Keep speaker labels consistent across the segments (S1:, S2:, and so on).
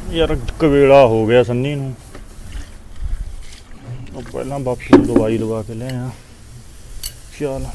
S1: ਯਾਰ ਕਵੇਲਾ ਹੋ ਗਿਆ ਸੰਨੀ ਨੂੰ। ਉਹ ਪਹਿਲਾਂ ਬਾਪੂ ਨੂੰ ਦਵਾਈ ਦਵਾ ਕੇ ਲਿਆ। ਚੱਲ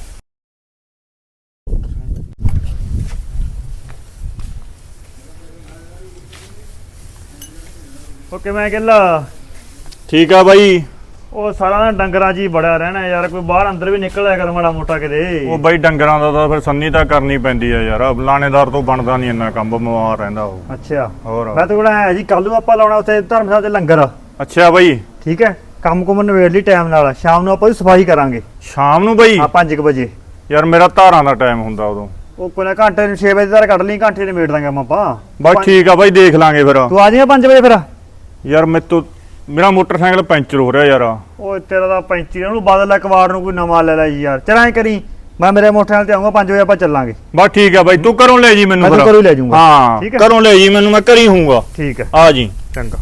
S2: ਓਕੇ ਮੈਂ ਕਹਿੰਦਾ
S1: ਠੀਕ ਆ ਬਾਈ।
S2: ਉਹ ਸਾਰਾ ਦਿਨ ਡੰਗਰਾਂ 'ਚ ਹੀ ਬੜਿਆ ਰਹਿਣਾ ਯਾਰ, ਕੋਈ ਬਾਹਰ ਅੰਦਰ ਵੀ ਨਿਕਲਿਆ ਕਰ ਮਾੜਾ ਮੋਟਾ ਕਿਤੇ।
S1: ਉਹ ਬਾਈ ਡੰਗਰਾਂ ਦਾ ਤਾਂ ਫਿਰ ਸੰਨੀ ਤਾਂ ਕਰਨੀ ਪੈਂਦੀ ਆ ਯਾਰ, ਲਾਣੇਦਾਰ ਤੋਂ ਬਣਦਾ ਨਹੀਂ ਇੰਨਾ ਕੰਮ, ਬਿਮਾਰ ਰਹਿੰਦਾ ਉਹ।
S2: ਅੱਛਾ
S1: ਹੋਰ
S2: ਮੈਂ ਤਾਂ ਕੋਲ ਆਇਆ ਜੀ, ਕੱਲ ਨੂੰ ਆਪਾਂ ਲਾਉਣਾ ਉੱਥੇ ਧਰਮਸ਼ਾਲਾ ਤੇ ਲੰਗਰ।
S1: ਅੱਛਾ ਬਾਈ
S2: ਠੀਕ ਹੈ, ਕੰਮ ਕੁਮ ਨਿਬੇੜ ਲਈ ਟਾਈਮ ਨਾਲ, ਸ਼ਾਮ ਨੂੰ ਆਪਾਂ ਦੀ ਸਫਾਈ ਕਰਾਂਗੇ।
S1: ਸ਼ਾਮ ਨੂੰ ਬਾਈ?
S2: ਹਾਂ 5 ਵਜੇ।
S1: ਯਾਰ ਮੇਰਾ ਧਾਰਾਂ ਦਾ ਟਾਈਮ ਹੁੰਦਾ ਉਦੋਂ।
S2: ਉਹ ਕੋਈ ਨਾ ਘੰਟੇ ਨੂੰ 6 ਵਜੇ ਤੱਕ ਕੱਢ ਲਈ, ਘੰਟੇ ਨਿਬੇੜ ਦਾਂਗੇ ਆਪਾਂ।
S1: ਬਸ ਠੀਕ ਆ ਬਾਈ, ਦੇਖ ਲਾਂਗੇ ਫਿਰ।
S2: ਤੂੰ ਆ ਜਾਏਗਾ 5 ਵਜੇ ਫਿਰ?
S1: ਯਾਰ ਮੇਰਾ ਮੋਟਰਸਾਈਕਲ ਪੈਂਚਰ ਹੋ ਰਿਹਾ ਯਾਰ।
S2: ਉਹ ਤੇਰਾ ਤਾਂ 35 ਉਹਨੂੰ ਬਦਲ ਲੈ, ਕਵਾੜ ਨੂੰ ਕੋਈ ਨਵਾਂ ਲੈ ਲੈ ਯਾਰ। ਚਲ ਐਂ ਕਰੀ, ਮੈਂ ਮੇਰੇ ਮੋਟਰਸਾਈਕਲ ਤੇ ਆਉਂਗਾ 5 ਵਜੇ, ਆਪਾਂ ਚੱਲਾਂਗੇ।
S1: ਬਸ ਠੀਕ ਆ ਬਾਈ, ਤੂੰ ਘਰੋਂ ਲੈ ਜੀ ਮੈਨੂੰ।
S2: ਮੈਂ ਤਾਂ ਘਰੋਂ ਲੈ ਜਾਊਂਗਾ।
S1: ਹਾਂ
S2: ਠੀਕ ਹੈ,
S1: ਘਰੋਂ ਲੈ ਜੀ ਮੈਨੂੰ, ਮੈਂ ਘਰੀ ਹੂੰਗਾ।
S2: ਠੀਕ ਹੈ
S1: ਆ ਜੀ।
S2: ਚੰਗਾ।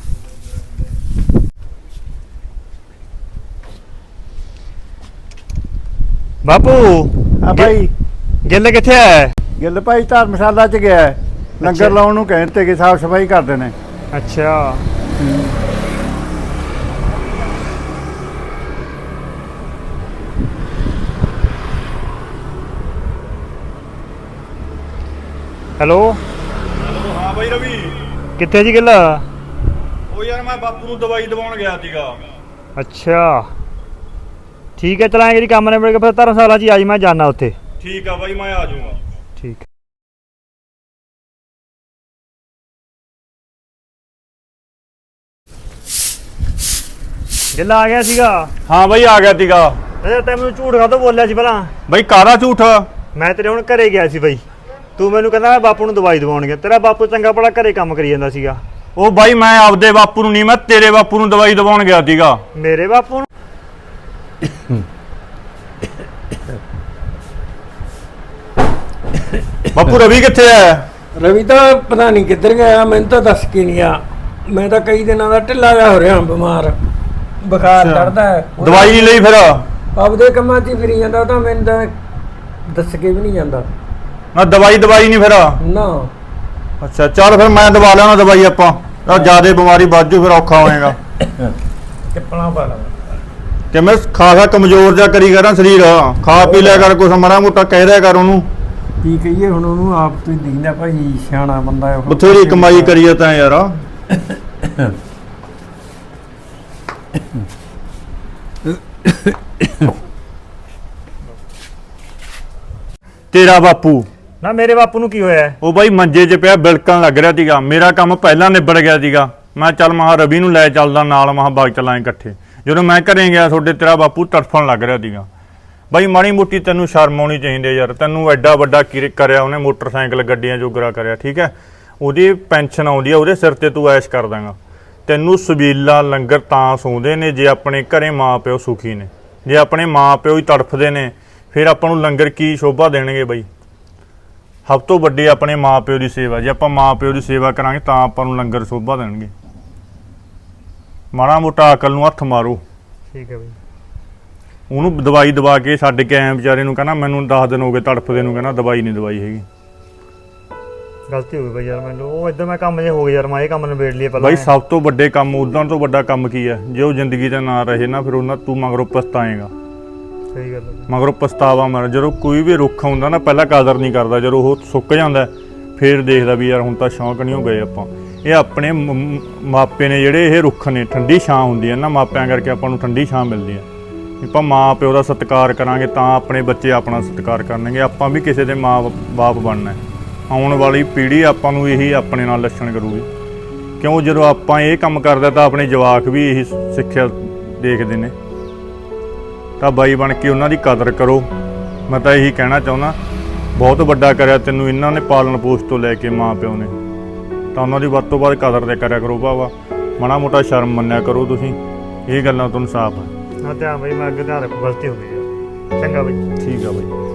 S2: ਬਾਪੂ
S3: ਆ ਭਾਈ
S2: ਗਿੱਲ ਕਿੱਥੇ ਹੈ?
S3: ਗਿੱਲ ਭਾਈ ਧਰਮਸ਼ਾਲਾ ਚ ਗਿਆ ਹੈ। ਲੰਗਰ ਲਾਉਣ ਨੂੰ ਕਹਿਣ ਤੇ ਕਿ ਸਾਫ ਸਫਾਈ ਕਰਦੇ ਨੇ।
S2: ਅੱਛਾ ਹੈਲੋ
S1: ਹਾਂ ਬਾਈ ਰਵੀ,
S2: ਕਿੱਥੇ ਜੀ ਗਿੱਲ?
S1: ਉਹ ਯਾਰ ਮੈਂ ਬਾਪੂ ਨੂੰ ਦਵਾਈ ਦਵਾਉਣ ਗਿਆ ਸੀਗਾ।
S2: ਅੱਛਾ ਠੀਕ ਹੈ, ਚਲਾਂਗੇ ਜੀ ਕੰਮ ਨੇ ਮਿਲ ਕੇ ਫਿਰ ਧਰਮਸ਼ਾਲਾ 'ਚ ਹੀ ਆ ਜੀ, ਮੈਂ ਜਾਣਾ ਉੱਥੇ।
S1: ਠੀਕ ਆ ਬਾਈ, ਮੈਂ ਆ ਜਾਊਂਗਾ।
S2: ਠੀਕ। ਗਿੱਲ ਆ ਗਿਆ ਸੀਗਾ?
S1: ਹਾਂ ਬਾਈ ਆ ਗਿਆ ਸੀਗਾ।
S2: ਅੱਛਾ ਤੈਨੂੰ ਝੂਠ ਕਾਹਤੋਂ ਬੋਲਿਆ ਸੀ ਭਲਾ?
S1: ਬਾਈ ਕਾਹਦਾ ਝੂਠ?
S2: ਮੈਂ ਤੇਰੇ ਹੁਣ ਘਰੇ ਗਿਆ ਸੀ ਬਾਈ, ਤੂੰ ਮੈਨੂੰ ਕਹਿੰਦਾ ਮੈਂ ਬਾਪੂ ਨੂੰ ਦਵਾਈ ਦਵਾਉਣ ਗਿਆ। ਤੇਰਾ ਬਾਪੂ ਚੰਗਾ ਭਲਾ ਘਰੇ ਕੰਮ ਕਰੀ ਜਾਂਦਾ ਸੀਗਾ।
S1: ਉਹ ਬਾਈ ਮੈਂ ਆਪਦੇ ਬਾਪੂ ਨੂੰ ਨਹੀਂ, ਮੈਂ ਤੇਰੇ ਬਾਪੂ ਨੂੰ ਦਵਾਈ ਦਵਾਉਣ ਗਿਆ ਸੀਗਾ।
S2: ਮੇਰੇ ਬਾਪੂ ਨੂੰ?
S1: ਬਾਪੂ ਰਵੀ ਕਿੱਥੇ ਹੈ?
S4: ਰਵੀ ਤਾਂ ਪਤਾ ਨਹੀਂ ਕਿੱਧਰ ਗਿਆ, ਮੈਨੂੰ ਤਾਂ ਦੱਸ ਕੇ ਨਹੀਂ ਆ। ਮੈਂ ਤਾਂ ਕਈ ਦਿਨਾਂ ਦਾ ਢਿੱਲਾ ਜਾ ਹੋ ਰਿਹਾ, ਬਿਮਾਰ, ਬੁਖਾਰ ਚੜਦਾ ਹੈ।
S1: ਦਵਾਈ ਨਹੀਂ ਲਈ ਫਿਰ?
S4: ਆਪਦੇ ਕੰਮਾਂ 'ਚ ਹੀ ਫਿਰੀ ਜਾਂਦਾ, ਉਹ ਤਾਂ ਮੈਨੂੰ ਤਾਂ ਦੱਸ ਕੇ ਵੀ ਨਹੀਂ ਜਾਂਦਾ
S1: ਨਾ। ਦਵਾਈ ਨਹੀਂ ਫਿਰ?
S4: ਨਾ।
S1: ਅੱਛਾ ਚੱਲ ਫਿਰ ਮੈਂ ਦਵਾ ਲੈਣਾ ਦਵਾਈ, ਆਪਾਂ ਤਾਂ ਜਿਆਦਾ ਬਿਮਾਰੀ ਵੱਧ ਜੂ, ਫਿਰ ਔਖਾ ਹੋਏਗਾ।
S4: ਚੱਪਲਾਂ ਪਾ ਲਾ।
S1: ਕਿ ਮੈਂ ਖਾਸਾ ਕਮਜ਼ੋਰ ਜਾ ਕਰੀ ਕਰਾਂ ਸਰੀਰ, ਖਾ ਪੀ ਲਿਆ ਕਰ ਕੁਛ, ਮਾੜਾ ਮੋਟਾ ਕਹਿ ਦਿਆ ਕਰ ਉਹਨੂੰ।
S4: ਕੀ ਕਹੀਏ ਹੁਣ ਉਹਨੂੰ, ਆਪ ਤੋਂ ਹੀ ਦਿਖਦਾ ਭਾਈ, ਸਿਆਣਾ ਬੰਦਾ ਹੈ।
S1: ਬਥੇਰੀ ਕਮਾਈ ਕਰੀਏ ਤਾਂ ਯਾਰ। ਤੇਰਾ ਬਾਪੂ?
S2: ਨਾ ਮੇਰੇ ਬਾਪੂ ਨੂੰ ਕੀ ਹੋਇਆ?
S1: ਉਹ ਬਾਈ ਮੰਜੇ 'ਚ ਪਿਆ ਬਿਲਕਣ ਲੱਗ ਰਿਹਾ ਸੀਗਾ। ਮੇਰਾ ਕੰਮ ਪਹਿਲਾਂ ਨਿਬੜ ਗਿਆ ਸੀਗਾ। ਮੈਂ ਚੱਲ ਮਹਾ ਰਵੀ ਨੂੰ ਲੈ ਚੱਲਦਾ ਨਾਲ, ਮਹਾ ਬਾਗ ਚਲਾਂਗੇ ਇਕੱਠੇ। ਜਦੋਂ ਮੈਂ ਘਰੇ ਗਿਆ ਤੁਹਾਡੇ, ਤੇਰਾ ਬਾਪੂ ਤੜਫਣ ਲੱਗ ਰਿਹਾ ਸੀਗਾ। ਬਾਈ ਮਾੜੀ ਮੋਟੀ ਤੈਨੂੰ ਸ਼ਰਮ ਆਉਣੀ ਚਾਹੀਦੀ ਯਾਰ। ਤੈਨੂੰ ਐਡਾ ਵੱਡਾ ਕਰਿਆ ਉਹਨੇ, ਮੋਟਰਸਾਈਕਲ ਗੱਡੀਆਂ ਜੋਗਰਾ ਕਰਿਆ, ਠੀਕ ਹੈ। ਉਹਦੀ ਪੈਨਸ਼ਨ ਆਉਂਦੀ ਆ, ਉਹਦੇ ਸਿਰ ਤੇ ਤੂੰ ਐਸ਼ ਕਰ ਦਾਂਗਾ। ਤੈਨੂੰ ਸਬੀਲਾ ਲੰਗਰ ਤਾਂ ਸੌਂਦੇ ਨੇ ਜੇ ਆਪਣੇ ਘਰੇ ਮਾਂ ਪਿਓ ਸੁਖੀ ਨੇ। ਜੇ ਆਪਣੇ ਮਾਂ ਪਿਓ ਹੀ ਤੜਫਦੇ ਨੇ, ਫਿਰ ਆਪਾਂ ਨੂੰ ਲੰਗਰ ਕੀ ਸ਼ੋਭਾ ਦੇਣਗੇ ਬਾਈ? ਸਭ ਤੋਂ ਵੱਡੀ ਆਪਣੇ ਮਾਂ ਪਿਓ ਦੀ ਸੇਵਾ। ਜੇ ਆਪਾਂ ਮਾਂ ਪਿਓ ਦੀ ਸੇਵਾ ਕਰਾਂਗੇ ਤਾਂ ਆਪਾਂ ਨੂੰ ਲੰਗਰ ਸ਼ੋਭਾ ਦੇਣਗੇ। ਮਾੜਾ ਮੋਟਾ ਅਕਲ ਨੂੰ ਹੱਥ ਮਾਰੋ।
S2: ਠੀਕ ਹੈ ਬਾਈ।
S1: ਉਹਨੂੰ ਦਵਾਈ ਦਵਾ ਕੇ ਛੱਡ ਕੇ ਆਏ ਵਿਚਾਰੇ ਨੂੰ, ਕਹਿੰਦਾ ਮੈਨੂੰ 10 ਦਿਨ ਹੋ ਗਏ ਤੜਫਦੇ ਨੂੰ, ਕਹਿੰਦਾ ਦਵਾਈ ਨਹੀਂ ਦਵਾਈ ਹੈਗੀ।
S2: ਗਲਤੀ ਹੋ ਗਈ ਬਾਈ ਯਾਰ ਮੈਨੂੰ, ਉਹ ਇੱਧਰ ਮੈਂ ਕੰਮ ਜੇ ਹੋ ਗਿਆ ਯਾਰ, ਮੈਂ ਇਹ ਕੰਮ ਨਿਬੇੜ ਲਈਏ ਪਹਿਲਾਂ।
S1: ਬਾਈ ਸਭ ਤੋਂ ਵੱਡੇ ਕੰਮ, ਉਦਾਂ ਤੋਂ ਵੱਡਾ ਕੰਮ ਕੀ ਹੈ? ਜੇ ਉਹ ਜ਼ਿੰਦਗੀ ਦਾ ਨਾ ਰਹੇ ਨਾ, ਫਿਰ ਉਹਨਾਂ ਤੂੰ ਮਗਰੋਂ ਪਛਤਾਏਗਾ।
S2: ਸਹੀ ਗੱਲ ਹੈ।
S1: ਮਗਰੋਂ ਪਛਤਾਵਾ ਮਰ। ਜਦੋਂ ਕੋਈ ਵੀ ਰੁੱਖ ਹੁੰਦਾ ਨਾ, ਪਹਿਲਾਂ ਕਦਰ ਨਹੀਂ ਕਰਦਾ, ਜਦੋਂ ਉਹ ਸੁੱਕ ਜਾਂਦਾ ਫਿਰ ਦੇਖਦਾ ਵੀ ਯਾਰ ਹੁਣ ਤਾਂ ਸ਼ੌਂਕ ਨਹੀਂ ਹੋ ਗਏ ਆਪਾਂ। ਇਹ ਆਪਣੇ ਮਾਪੇ ਨੇ ਜਿਹੜੇ, ਇਹ ਰੁੱਖ ਨੇ, ਠੰਡੀ ਛਾਂ ਹੁੰਦੀ ਹੈ ਨਾ, ਮਾਪਿਆਂ ਕਰਕੇ ਆਪਾਂ ਨੂੰ ਠੰਡੀ ਛਾਂ ਮਿਲਦੀ ਹੈ। ਆਪਾਂ ਮਾਂ ਪਿਓ ਦਾ ਸਤਿਕਾਰ ਕਰਾਂਗੇ ਤਾਂ ਆਪਣੇ ਬੱਚੇ ਆਪਣਾ ਸਤਿਕਾਰ ਕਰਨਗੇ। ਆਪਾਂ ਵੀ ਕਿਸੇ ਦੇ ਮਾਂ ਬਾਪ ਬਣਨਾ। ਆਉਣ ਵਾਲੀ ਪੀੜ੍ਹੀ ਆਪਾਂ ਨੂੰ ਇਹੀ ਆਪਣੇ ਨਾਲ ਲੱਛਣ ਕਰੂਗੀ। ਕਿਉਂ ਜਦੋਂ ਆਪਾਂ ਇਹ ਕੰਮ ਕਰਦੇ ਤਾਂ ਆਪਣੇ ਜਵਾਕ ਵੀ ਇਹੀ ਸਿੱਖਿਆ ਦੇਖਦੇ ਨੇ। ਤਾਂ ਬਾਈ ਬਣ ਕੇ ਉਹਨਾਂ ਦੀ ਕਦਰ ਕਰੋ। ਮੈਂ ਤਾਂ ਇਹੀ ਕਹਿਣਾ ਚਾਹੁੰਦਾ, ਬਹੁਤ ਵੱਡਾ ਕਰਿਆ ਤੈਨੂੰ ਇਹਨਾਂ ਨੇ, ਪਾਲਣ ਪੋਸ਼ ਤੋਂ ਲੈ ਕੇ ਮਾਂ ਪਿਓ ਨੇ, ਤਾਂ ਉਹਨਾਂ ਦੀ ਵੱਧ ਤੋਂ ਵੱਧ ਕਦਰ ਤੇ ਕਰਿਆ ਕਰੋ ਭਾਵਾ। ਮਾੜਾ ਮੋਟਾ ਸ਼ਰਮ ਮੰਨਿਆ ਕਰੋ ਤੁਸੀਂ। ਇਹ ਗੱਲਾਂ ਤੁਹਾਨੂੰ ਸਾਫ਼ ਹੈ।
S2: ਹਾਂ ਧਿਆਨ ਬਾਈ, ਮੈਂ ਅੱਗੇ ਧਿਆਨ ਰੱਖੂ, ਗਲਤੀ ਹੋ ਗਈ ਯਾਰ। ਚੰਗਾ ਬਾਈ।
S1: ਠੀਕ ਆ ਬਾਈ।